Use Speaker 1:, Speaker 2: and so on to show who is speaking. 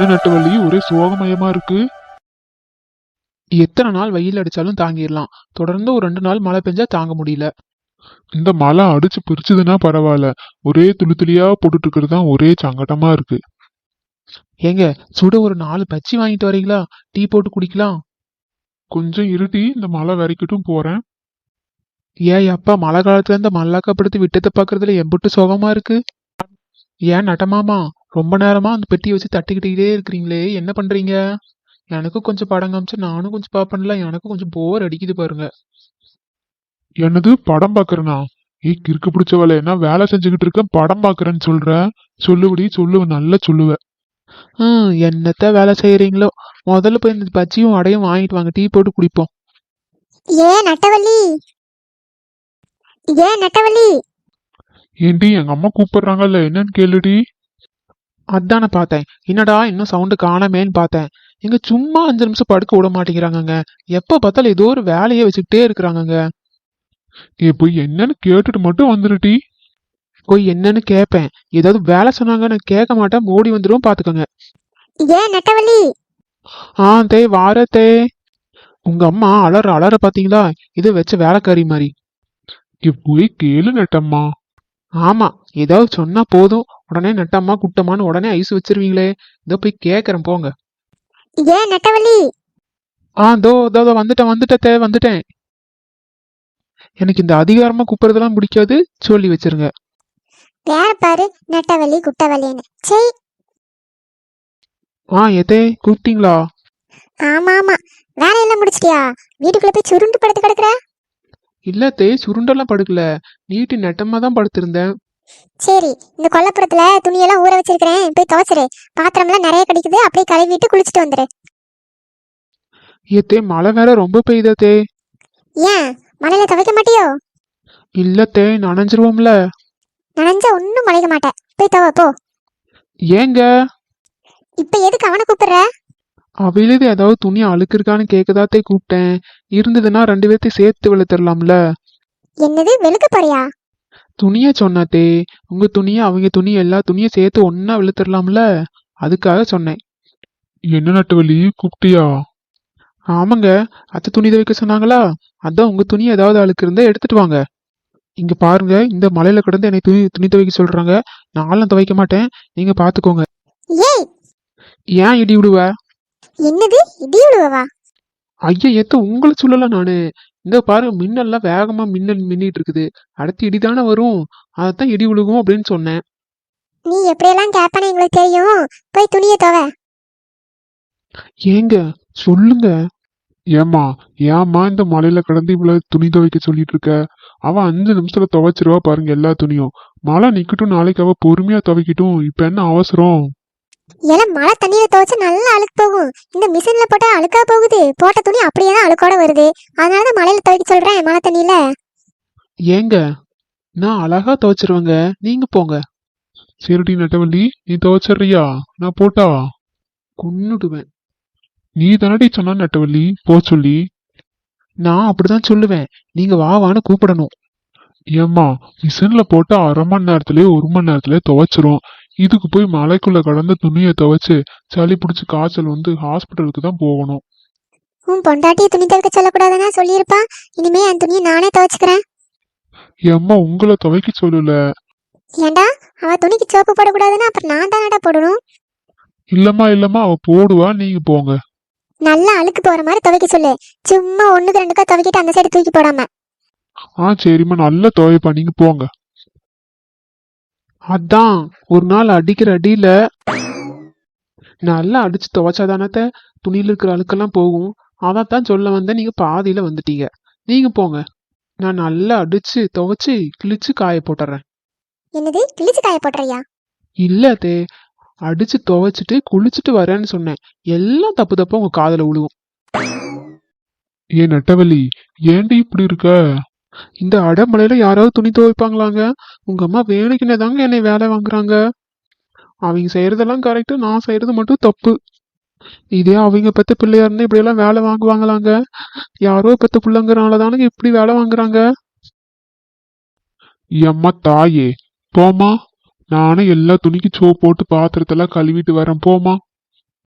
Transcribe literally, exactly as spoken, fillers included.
Speaker 1: நட்டவள்ளி ஒரே சோகமயமா இருக்கு. எத்தனை நாள் வெயில் அடிச்சாலும் தாங்கிடலாம், தொடர்ந்து ஒரு ரெண்டு நாள் மழை பெஞ்சா தாங்க முடியல. இந்த மழை அடிச்சு பிரிச்சுதுன்னா பரவாயில்ல, ஒரே துளி துளியா போட்டுட்டு இருக்கிறது தான் ஒரே சங்கடமா இருக்கு. ஏங்க, சுட ஒரு நாலு பச்சி வாங்கிட்டு வரீங்களா? டீ போட்டு குடிக்கலாம். கொஞ்சம் இருட்டி, இந்த மழை வரைக்கட்டும் போறேன். ஏன் அப்பா, மழை காலத்துல இந்த மல்லாக்கப்படுத்தி விட்டத்தை பாக்குறதுல எம்புட்டு சோகமா இருக்கு. ஏன் நட்டமாமா, ரொம்ப நேரமா அந்த பெட்டியை வச்சு தட்டிக்கிட்டே இருக்கிறீங்களே, என்ன பண்றீங்க? எனக்கும் கொஞ்சம் படம் காமிச்சு நானும் கொஞ்சம் பாப்பேன்ல, எனக்கும் கொஞ்சம் போர் அடிக்குது பாருங்க. என்னது படம் பாக்குறேனா? ஏய் கிறுக்கு பிடிச்சவள, என்ன வேலை செஞ்சுக்கிட்டு இருக்க, படம் பாக்குறேன்னு சொல்ற? சொல்லுபடி சொல்லுவ, நல்லா சொல்லுவ. ஹம் என்னத்த வேலை செய்யறீங்களோ, முதல்ல போய் இந்த பச்சியும் அடையும் வாங்கிட்டு வாங்க, டீ போட்டு குடிப்போம்.
Speaker 2: ஏ நட்டவள்ளி, ஏ நட்டவள்ளி.
Speaker 1: ஏண்டி, எங்க அம்மா கூப்பிடுறாங்கல்ல, என்னன்னு கேளுடி. அதானே பார்த்தேன், என்னடா இன்னும் சவுண்டு காணாமேன்னு பார்த்தேன். இங்க சும்மா அஞ்சு நிமிஷம் படுக்க விட மாட்டேங்கிறாங்கங்க. எப்ப பார்த்தாலும் ஏதோ ஒரு வேலையை வச்சுக்கிட்டே இருக்கிறாங்கங்க. ஏ போய் என்னன்னு கேட்டுட்டு மட்டும் வந்துருட்டி. போய் என்னன்னு கேட்பேன், ஏதாவது வேலை சொன்னாங்க நான் கேட்க மாட்டேன், ஓடி வந்துடும் பாத்துக்கோங்க.
Speaker 2: ஏ நட்டவள்ளி.
Speaker 1: ஆ தே வார தே. உங்க அம்மா அலற அலற பாத்தீங்களா, இதை வச்ச வேலைக்காரி மாதிரி. போய் கேளு நட்டம்மா. ஆமா, ஏதாவது சொன்னா போதும் உடனே நட்டம்மா குட்டம்மான்னு உடனே ஐஸ் வச்சிருவீங்களே. இதோ போய் கேக்குறேன் போங்க.
Speaker 2: ஏ நட்டவள்ளி.
Speaker 1: ஆ தோ தோ வந்துட்டேன் வந்துட்டேன் வந்துட்டேன். எனக்கு இந்த அதிகாரமா கூப்பிடுறதெல்லாம் பிடிக்காது, சொல்லி வச்சிருங்க.
Speaker 2: வேற பாரு, நட்டவள்ளி குட்டவள்ளின்னு. சரி.
Speaker 1: ஆ எதே கூப்பிட்டீங்களா?
Speaker 2: ஆமா ஆமா, வேலையெல்லாம் முடிச்சிட்டியா? வீட்டுக்குள்ள போய் சுருண்டு படுத்து கிடக்குற?
Speaker 1: இல்ல தே, சுருண்டெல்லாம் படுக்கல, நீட்டு நெட்டமா தான் படுத்திருந்தேன்.
Speaker 2: சரி, இந்த கொல்லப்புறத்துல துணியெல்லாம் ஊற வச்சிருக்கிறேன், போய் துவைச்சிரு. பாத்திரம்லாம் நிறைய கிடைக்குது, அப்படியே கழுவிட்டு குளிச்சுட்டு வந்துரு.
Speaker 1: ஏத்தே, மழை வேற ரொம்ப பெய்யுதா தே.
Speaker 2: ஏன் மழையில துவைக்க மாட்டியோ?
Speaker 1: இல்ல தே, நனைஞ்சிருவோம்ல.
Speaker 2: நனைஞ்சா ஒன்னும் மழைக்க மாட்டேன், போய் துவை போ.
Speaker 1: ஏங்க
Speaker 2: இப்ப எதுக்கு அவனை கூப்பிடுற?
Speaker 1: அவையிலது ஏதாவது துணி அழுக்கு இருக்கான்னு கேக்குதாத்தே கூப்பிட்டேன். இருந்ததுன்னா ரெண்டு பேர்த்தையும் சேர்த்து வெளுத்துடலாம்ல.
Speaker 2: என்னது வெளுக்க போறியா?
Speaker 1: துணிய சொன்னாத்தே, உங்க துணிய அவங்க துணி எல்லா துணியும் சேர்த்து ஒன்னா வெளுத்துடலாம்ல, அதுக்காக சொன்னேன். என்ன நட்டுவலி கூப்பிட்டியா? ஆமாங்க, அத்தை துணி துவைக்க சொன்னாங்களா, அதான் உங்க துணி ஏதாவது அழுக்கு இருந்தா எடுத்துட்டு வாங்க. இங்க பாருங்க, இந்த மலையில கிடந்து என்னை துணி துணி துவைக்க சொல்றாங்க, நானும் துவைக்க மாட்டேன், நீங்க பாத்துக்கோங்க.
Speaker 2: ஏய்,
Speaker 1: ஏன் இடி விடுவ?
Speaker 2: என்னது இடி விழுவவா?
Speaker 1: ஐயா ஏத்த, உங்களை சொல்லல நானு. இந்த பாருங்க, மின்னல்லாம் வேகமா மின்னல் மின்னிட்டு இருக்குது, அடுத்து இடிதானே வரும், அதைத்தான் இடி விழுகும் அப்படின்னு சொன்னேன்.
Speaker 2: நீ எப்படியெல்லாம் கேட்பானே எங்களுக்கு தெரியும், போய் துணியை துவை.
Speaker 1: ஏங்க சொல்லுங்க. ஏமா ஏமா இந்த மலையில கிடந்து இவ்வளவு துணி துவைக்க சொல்லிட்டு இருக்க? அவ அஞ்சு நிமிஷத்துல துவைச்சிருவா பாருங்க எல்லா துணியும். மழை நிக்கட்டும், நாளைக்கு அவ பொறுமையா துவைக்கட்டும், இப்ப என்ன அவசரம்?
Speaker 2: எல்லாம் மழை தண்ணியில துவைச்சு நல்லா அழுக்கு போகும், இந்த மிஷின்ல போட்டா அழுக்கா போகுது, போட்ட துணி அப்படியே தான் அழுக்கோட வருது, அதனாலதான் மழையில துவைக்க சொல்றேன் மழை தண்ணியில.
Speaker 1: ஏங்க, நான் அழகா துவைச்சிருவேங்க, நீங்க போங்க. சரிடி நட்டவள்ளி, நீ துவைச்சிடுறியா? நான் போட்டா கொன்னுடுவேன். நீ தானடி சொன்ன நட்டவள்ளி போ சொல்லி. நான் அப்படிதான் சொல்லுவேன், நீங்க வா வான்னு கூப்பிடணும். ஏம்மா, மிஷின்ல போட்டா அரை மணி நேரத்திலேயே ஒரு மணி நேரத்திலேயே துவைச்சிரும், இதுக்கு போய் மலைக்குள்ள கடந்த துணியை துவைச்சு சளி பிடிச்சி காய்ச்சல் வந்து ஹாஸ்பிட்டலுக்கு தான் போகணும்.
Speaker 2: உன் பொண்டாட்டிய துணி துவைக்க சொல்லக்கூடாதுன்னா சொல்லியிருப்பா, இனிமே என் துணியை நானே துவைச்சுக்கிறேன்.
Speaker 1: ஏம்மா, உங்களை துவைக்க சொல்லல.
Speaker 2: ஏண்டா, அவ துணிக்கு சோப்பு போடக்கூடாதுன்னா அப்புறம் நான் தானடா போடணும்.
Speaker 1: இல்லம்மா இல்லம்மா, அவ போடுவா, நீங்க போங்க.
Speaker 2: நல்லா அழுக்கு போற மாதிரி துவைக்க சொல்லு, சும்மா ஒண்ணுக்கு ரெண்டுக்கா துவைக்கிட்டு அந்த சைடு தூக்கி போடாம.
Speaker 1: ஆ சரிம்மா, நல்லா துவைப்பா, நீங்க போங்க. அதான் ஒரு நாள் அடிக்கிற அடியில நல்லா அடிச்சு துவைச்சாதானத்த துணியில இருக்கிற அழுக்கெல்லாம் போகும், அதான் சொல்ல வந்தேன், நீங்க பாதியில வந்துட்டீங்க. நீங்க போங்க, நான் நல்லா அடிச்சு துவைச்சு கிழிச்சு காய போட்டுறேன்.
Speaker 2: என்னது கிழிச்சு காய போட்டுறியா?
Speaker 1: இல்லத்தே, அடிச்சு துவைச்சிட்டு குளிச்சுட்டு வரேன்னு சொன்னேன், எல்லாம் தப்பு தப்பா உங்க காதுல விழுவும். ஏ நட்டவள்ளி, ஏண்டி இப்படி இருக்க? இந்த அடமலையில யாராவது துணி துவைப்பாங்களாங்க? உங்க அம்மா வேலைக்குன்னே தாங்க என்னை வேலை வாங்குறாங்க. அவங்க செய்யறதெல்லாம் கரெக்டு, நான் செய்யறது மட்டும் தப்பு. இதே அவங்க பெத்த பிள்ளையா இருந்தா இப்படி எல்லாம் வேலை வாங்குவாங்களாங்க? யாரோ பெத்த பிள்ளைங்கிறனாலதானுங்க இப்படி வேலை வாங்குறாங்க. எம்மா தாயே, போமா, நானும் எல்லா துணிக்கு சோப் போட்டு பாத்திரத்தெல்லாம் கழுவிட்டு வரேன், போமா.